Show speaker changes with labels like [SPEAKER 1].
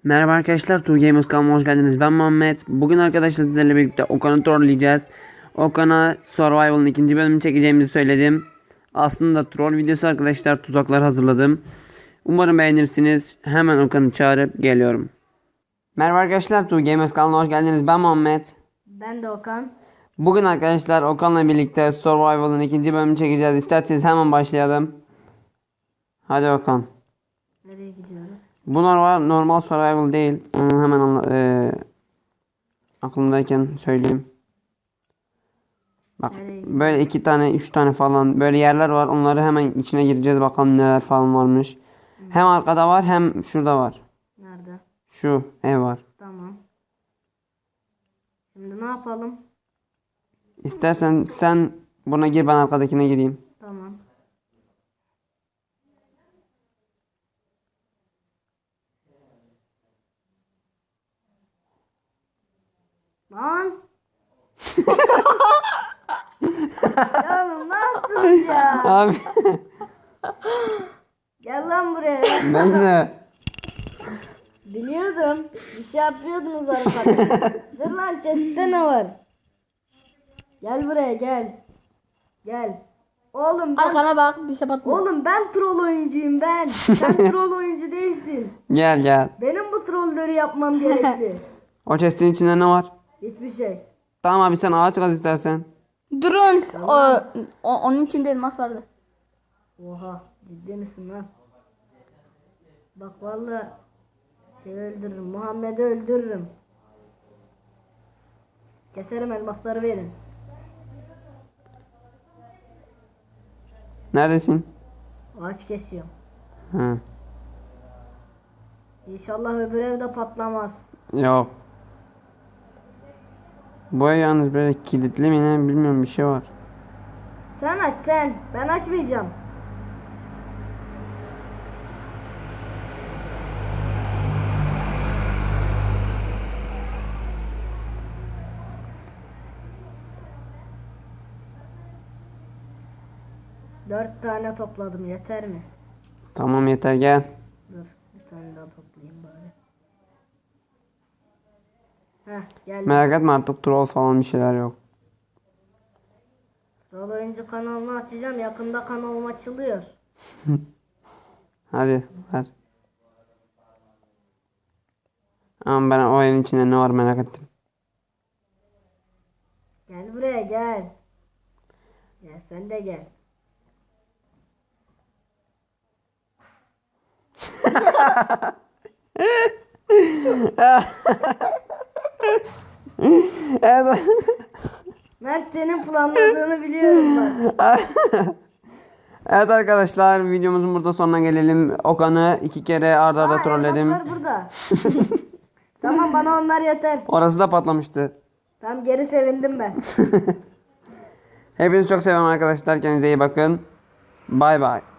[SPEAKER 1] Merhaba arkadaşlar, Two Gamers kanalıma hoş geldiniz. Ben Muhammed. Bugün arkadaşlar sizlerle birlikte Okan'ı trolleyeceğiz. Okan'a Survival'ın ikinci bölümünü çekeceğimizi söyledim. Aslında troll videosu arkadaşlar, tuzaklar hazırladım. Umarım beğenirsiniz. Hemen Okan'ı çağırıp geliyorum. Merhaba arkadaşlar, Two Gamers kanalına hoş geldiniz. Ben Muhammed.
[SPEAKER 2] Ben de Okan.
[SPEAKER 1] Bugün arkadaşlar Okan'la birlikte Survival'ın ikinci bölümünü çekeceğiz. İsterseniz hemen başlayalım. Hadi Okan.
[SPEAKER 2] Nereye gidiyoruz?
[SPEAKER 1] Bu normal survival değil. Onu hemen aklımdayken söyleyeyim. Bak böyle 2 tane 3 tane falan böyle yerler var. Onları hemen içine gireceğiz, bakalım neler falan varmış. Hem arkada var hem şurada var.
[SPEAKER 2] Nerede?
[SPEAKER 1] Şu ev var.
[SPEAKER 2] Tamam. Şimdi ne yapalım?
[SPEAKER 1] İstersen sen buna gir, ben arkadakine gireyim.
[SPEAKER 2] Tamam. Lan! Ya oğlum ne yaptınız ya?
[SPEAKER 1] Abi
[SPEAKER 2] Gel lan buraya.
[SPEAKER 1] bekle.
[SPEAKER 2] Biliyordum. Bir şey yapıyordunuz arkada. Dur lan, chest'te ne var? Gel buraya gel. Gel. Oğlum ben...
[SPEAKER 3] Arkana bak, bir şey batma.
[SPEAKER 2] Oğlum ben troll oyuncuyum ben. Sen troll oyuncu değilsin.
[SPEAKER 1] Gel gel.
[SPEAKER 2] Benim bu trolleri yapmam gerekli.
[SPEAKER 1] O chest'in içinde ne var?
[SPEAKER 2] Hiçbir şey.
[SPEAKER 1] Tamam abi, sen ağaç kaz istersen.
[SPEAKER 3] Durun. Onun içinde elmas vardı.
[SPEAKER 2] Oha, ciddi misin lan? Bak vallahi öldürürüm. Muhammed'i öldürürüm. Keserim, elmasları verin.
[SPEAKER 1] Neredesin?
[SPEAKER 2] Ağaç kesiyorum.
[SPEAKER 1] Ha.
[SPEAKER 2] İnşallah öbür evde patlamaz.
[SPEAKER 1] Yok. Bu ev yalnız böyle kilitli mi ne bilmiyorum, bir şey var.
[SPEAKER 2] Sen aç sen. Ben açmayacağım. Dört tane topladım, yeter mi?
[SPEAKER 1] Tamam yeter, gel.
[SPEAKER 2] Dur bir tane daha toplayayım bari. Heh, gel.
[SPEAKER 1] Merak etme, artık troll falan bir şeyler yok.
[SPEAKER 2] Troll oyuncu kanalını açacağım. Yakında kanalım açılıyor.
[SPEAKER 1] Hadi ver. Ama ben o evin içinde ne var merak ettim.
[SPEAKER 2] Gel buraya gel. Gel sen de gel.
[SPEAKER 1] Evet.
[SPEAKER 2] Mert, senin planladığını biliyorum bak.
[SPEAKER 1] Evet arkadaşlar, videomuzun burada sonuna gelelim. Okan'ı 2 kere arda arda
[SPEAKER 2] Aa,
[SPEAKER 1] trolledim.
[SPEAKER 2] elmaslar burada. Tamam, bana onlar yeter.
[SPEAKER 1] Orası da patlamıştı.
[SPEAKER 2] Tamam, geri sevindim ben.
[SPEAKER 1] Hepinizi çok seviyorum arkadaşlar. Kendinize iyi bakın. Bay bay.